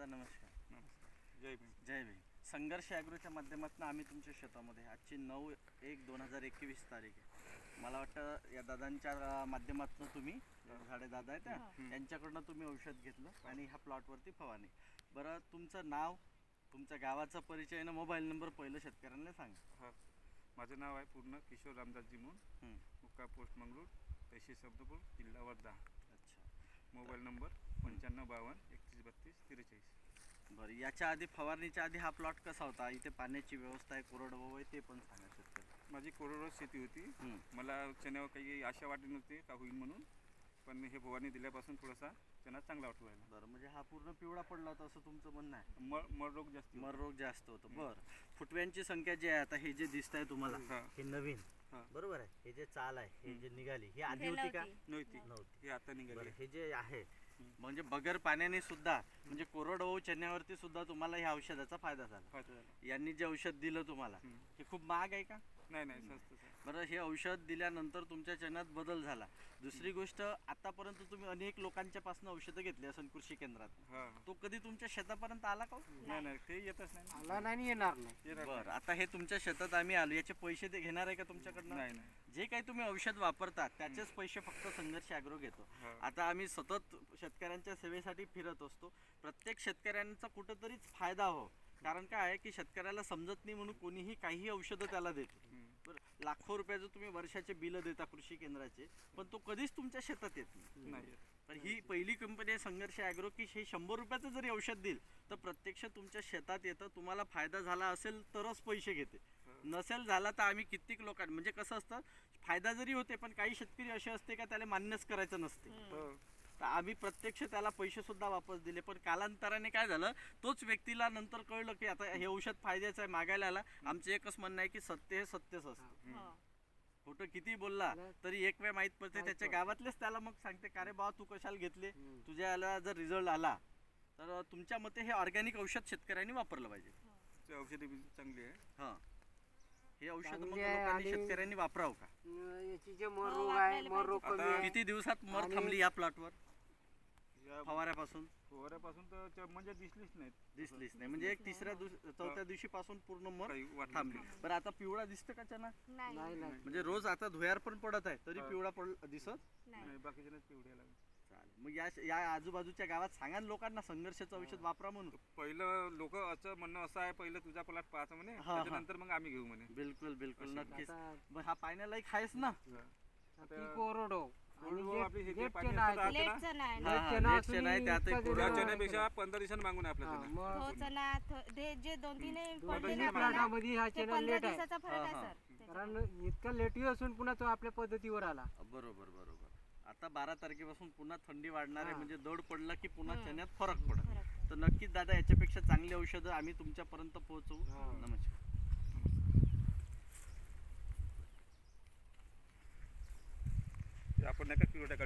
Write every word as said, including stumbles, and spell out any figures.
दादा नमस्कार. नमस्कार. जय भीम. जय भीम. संघर्ष ॲग्रोच्या माध्यमातून आम्ही तुमच्या शेतामध्ये आजची नऊ एक दोन हजार एकवीस तारीख आहे. मला वाटतं या दादांच्या माध्यमातून तुम्ही झाडे दादा आहेत त्या यांच्याकडनं तुम्ही औषध घेतलं आणि ह्या प्लॉटवरती फवारणी. बरं, तुमचं नाव, तुमच्या गावाचा परिचय आणि मोबाईल नंबर पहिलं शेतकऱ्यांना सांगा. हां, माझं नाव आहे पूर्ण किशोर रामदासजी म्हणून, मुक्का पोस्ट मंगळूर, तहसील शब्दपूर, जिल्हा वर्धा. अच्छा. मोबाईल नंबर पंच्याण्णव बावन्न एकतीस बत्तीस त्रेचाळीस. बरं, याच्या आधी फवारणीच्या आधी हा प्लॉट कसा होता? इथे पाण्याची व्यवस्था आहे, कोरडवाहू आहे, ते पण सांगा शेतकरी. माझी कोरडवाहू शेती होती. मला चण्यावर काही आशा वाटली नव्हती का होईल म्हणून, पण हे फवारणी दिल्यापासून थोडासा चणा चांगला वाटू राहिला. बरं, म्हणजे हा पूर्ण पिवळा पडला होता असं तुमचं म्हणणं आहे? मळ मळ रोग जास्त मर रोग जास्त होतं. बरं, फुटव्यांची संख्या जी आहे आता हे जे दिसत आहे तुम्हाला हे नवीन बरोबर आहे, हे जे चाल आहे हे जे निघाली ही आधी होती का? नव्हती नव्हती. हे आता निघाली. हे जे आहे म्हणजे बगर पाण्याने सुद्धा म्हणजे कोरडवाहू चण्यावरती सुद्धा तुम्हाला ह्या औषधाचा फायदा झाला. यांनी जे औषध दिलं तुम्हाला हे खूप महाग आहे का? नाही नाही, स्वस्त. बरं, हे औषध दिल्यानंतर तुमच्या चण्यात बदल झाला. दुसरी गोष्ट, आतापर्यंत तुम्ही अनेक लोकांच्या पासून औषधं घेतली असेल कृषी केंद्रात, तो कधी तुमच्या शेतापर्यंत आला का? नाही नाही, ते येतच नाही. आला नाही, येणार नाही. बरं, आता हे तुमच्या शेतात आम्ही आलो, याचे पैसे ते घेणार आहे का तुमच्याकडनं? नाही नाही, जे काही तुम्ही औषध वापरता त्याचेच पैसे फक्त संघर्ष ॲग्रो घेतो. आता आम्ही सतत शेतकऱ्यांच्या सेवेसाठी फिरत असतो. प्रत्येक शेतकऱ्यांचा कुठंतरीच फायदा हो, कारण काय आहे की शेतकऱ्याला समजत नाही म्हणून कोणीही काही औषधं त्याला देतो. बरं, लाखो रुपयाचं तुम्ही वर्षाचे बिल देता कृषी केंद्राचे, पण तो कधीच तुमच्या शेतात येत नाही. पण ही पहिली कंपनी आहे संघर्ष ॲग्रो की हे शंभर रुपयाचं जरी औषध दिल तर प्रत्यक्ष तुमच्या शेतात येतं. तुम्हाला फायदा झाला असेल तरच पैसे घेते, नसेल झाला तर आम्ही कित्येक लोकांना म्हणजे कसं असतं, फायदा जरी होते पण काही शेतकरी असे असते का त्याला मान्यच करायचं नसते, तर आम्ही प्रत्यक्ष त्याला पैसे सुद्धा वापस दिले. पण कालांतराने काय झालं, तोच व्यक्तीला नंतर कळलं की आता हे औषध फायद्याचं आहे, मागायला आला. आमचं एकच म्हणणं आहे की सत्य हे सत्यच असतं. खोटं किती बोलला तरी एक वेळ माहीत पडते, त्याच्या गावातलेच त्याला मग सांगते का रे बाबा तू कशाला घेतले, तुझ्या याला जर रिझल्ट आला तर तुमच्या मते हे ऑर्गॅनिक औषध शेतकऱ्यांनी वापरलं पाहिजे. औषधी चांगली आहे. हां, हे औषध मग लोकांनी शेतकऱ्यांनी वापरावं का? याची जे मर रोग आहे, मर रोग कमी आहे. किती दिवसात मर थांबली या प्लॉटवर फवाऱ्यापासून? फवाऱ्यापासून तर म्हणजे दिसलीच नाही. दिसलीच नाही म्हणजे एक तिसऱ्या दिवशी चौथ्या दिवशी पासून पूर्ण मर थांबली. बरं, आता पिवळा दिसतं का चना? नाही नाही. म्हणजे रोज आता धुयार पण पडत आहे तरी पिवळा पड दिसत नाही, बाकीच्या पिवळ्या लागले. चालेल, मग या या आजूबाजूच्या गावात सांगा ना लोकांना संघर्षाचं औषध वापरा म्हणून. पहिलं लोक असं म्हणणं असं आहे, पहिलं तुझा प्लॉट पाहायचं म्हणे, त्याच्यानंतर मग आम्ही घेऊ म्हणे. बिलकुल बिलकुल नक्कीच. मग हा पाहण्यालायक आहेच ना. कोरडो चण्यापेक्षा पंधरा दिवसांनी मागून आपल्या जे दोन तीन कारण इतका लेटी असून पुन्हा तो आपल्या पद्धतीवर आला. बरोबर बरोबर. आता बारा तारखेपासून पुन्हा थंडी वाढणार आहे, म्हणजे दड पडला की पुन्हा चण्यात फरक पडत. तर नक्कीच दादा याच्यापेक्षा चांगली औषधं आम्ही तुमच्यापर्यंत पोहोचवू. नमस्कार. आपण नका किलो टाका.